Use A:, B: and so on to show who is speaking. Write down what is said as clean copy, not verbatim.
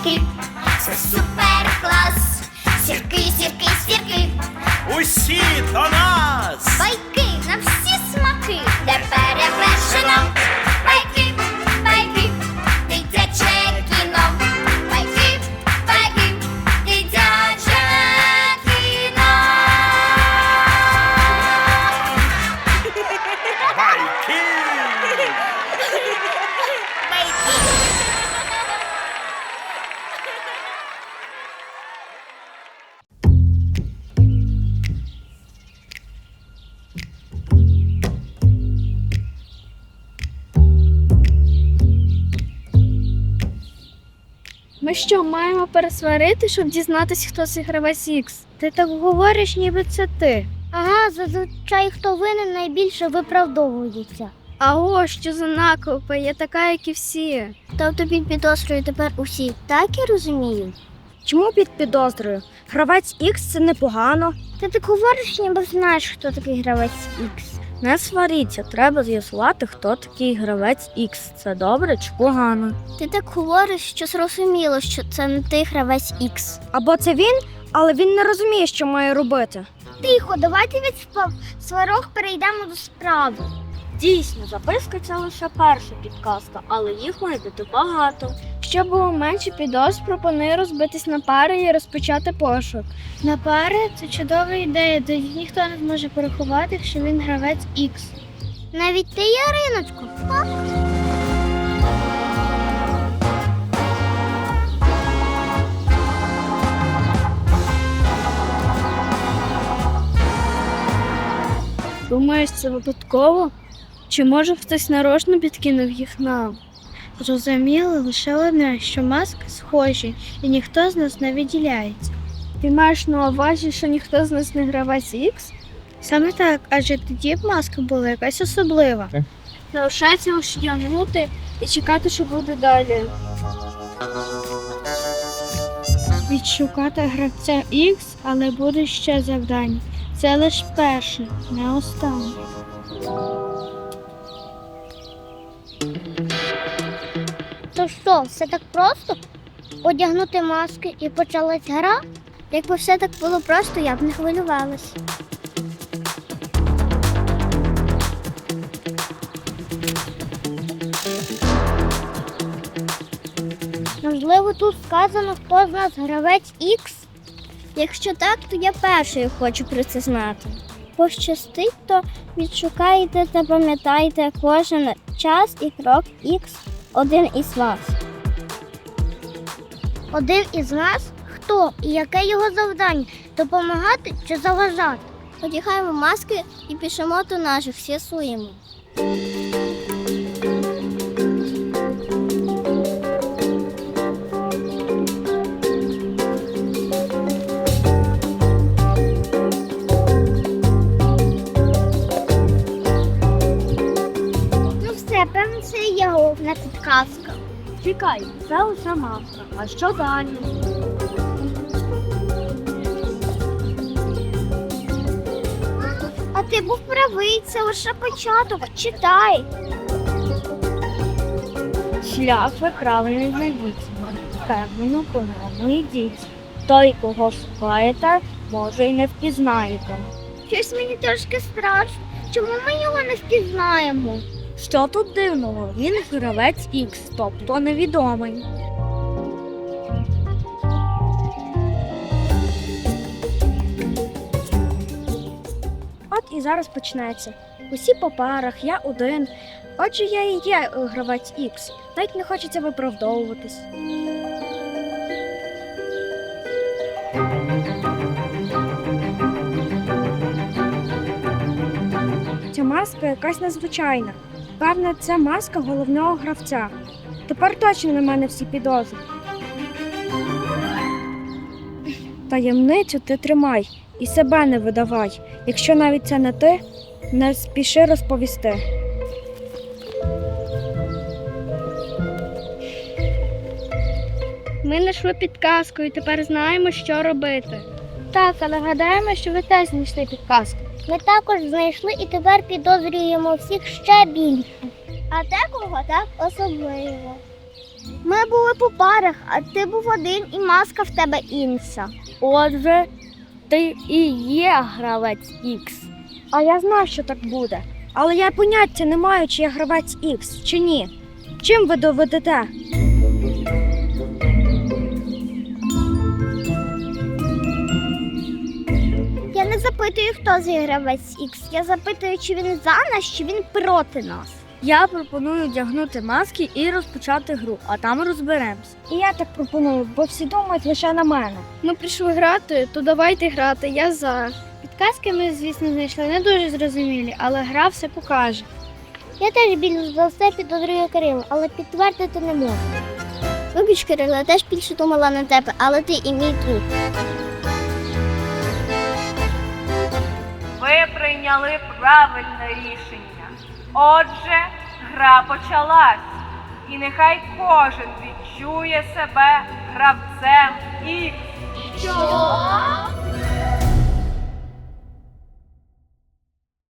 A: сірки, це супер клас. Сірки, сірки, сірки,
B: Усі до нас!
A: байки на всі смаки, де перевершено. Байки, байки, дитяче кіно. Байки, байки, дитяче кіно.
B: Байки!
C: Ми що, маємо пересварити, щоб дізнатися, хто цей гравець Ікс? Ти так говориш, ніби це ти.
D: Ага, зазвичай хто винен найбільше виправдовується.
C: А ось що за накопи, я така, як і всі.
D: Тобто під підозрою тепер усі, так я розумію?
C: Чому під підозрою? Гравець Ікс це непогано.
D: Ти так говориш, ніби знаєш, хто такий гравець Ікс.
C: Не сваріться, треба з'ясувати, хто такий гравець Ікс. Це добре чи погано?
D: Ти так говориш, що зрозуміло, що це не ти гравець Ікс.
C: Або це він, але він не розуміє, що має робити.
D: Тихо, давайте від сварок перейдемо до справи.
C: Дійсно, записка це лише перша підказка, але їх має бути багато. Щоб було менше підозр, пропоную розбитись на пари і розпочати пошук. На пари це чудова ідея, тоді ніхто не зможе порахувати, що він гравець Ікс.
D: Навіть ти, Яриночко.
C: Думаєш, це випадково? Чи може хтось нарочно підкинув їх нам? Зрозуміло лише одне, що маски схожі, і ніхто з нас не виділяється. Ти маєш на увазі, що ніхто з нас не гравець Ікс? Саме так, адже тоді б маска була якась особлива. Залишається лише тягнути і чекати, що буде далі. Відшукати гравця Ікс, але буде ще завдання. Це лише перше, не останнє.
D: То що, все так просто? Одягнути маски і почалась гра? Якби все так було просто, я б не хвилювалась. Можливо, тут сказано, хто з нас гравець Ікс? Якщо так, то я першою хочу про це знати. Пощастить, то відшукайте та пам'ятайте кожен час і крок Ікс один із вас. Один із нас? Хто? І яке його завдання? Допомагати чи заважати? Одягаємо маски і пишемо до наших, з'ясуємо. Ну все, певно, це і є головна підказка.
C: Чекай, це лише маска. А що далі?
D: А ти був правий, це лише початок. Читай.
C: Шлях ви правильно знайдіть. Впевнено, по-новому йдіть. Той, кого шукаєте, може й не впізнаєте.
D: Щось мені трошки страшно. Чому ми його не впізнаємо?
C: Що тут дивного? Він гравець Ікс, тобто невідомий. От і зараз почнеться. Усі по парах, я один. Отже, я і є гравець Ікс. Навіть не хочеться виправдовуватись. Ця маска якась незвичайна. Певне, це маска головного гравця. Тепер точно на мене всі підозри. Таємницю ти тримай і себе не видавай. Якщо навіть це не ти, не спіши розповісти. Ми знайшли підказку і тепер знаємо, що робити. Так, але гадаємо, що ви теж знайшли підказку.
D: Ми також знайшли і тепер підозрюємо всіх ще більше. А декого так особливо. Ми були по парах, а ти був один і маска в тебе інша.
C: Отже, ти і є гравець Ікс. А я знав, що так буде. Але я поняття не маю, чи я гравець Ікс, чи ні. Чим ви доведете?
D: Я не запитую, хто з гравець Ікс. Я запитую, чи він за нас, чи він проти нас.
C: Я пропоную одягнути маски і розпочати гру, а там розберемось. І я так пропоную, бо всі думають лише на мене. Ми прийшли грати, то давайте грати, я за. Підказки ми, звісно, знайшли не дуже зрозумілі, але гра все покаже.
D: Я теж більш за все підозрюю Кирила, але підтвердити не можу. Вибач, Кирило, я теж більше думала на тебе, але ти і мій друг.
E: Ви прийняли правильне рішення. Отже, гра почалась. І нехай кожен відчує себе гравцем Ікс.
A: Що?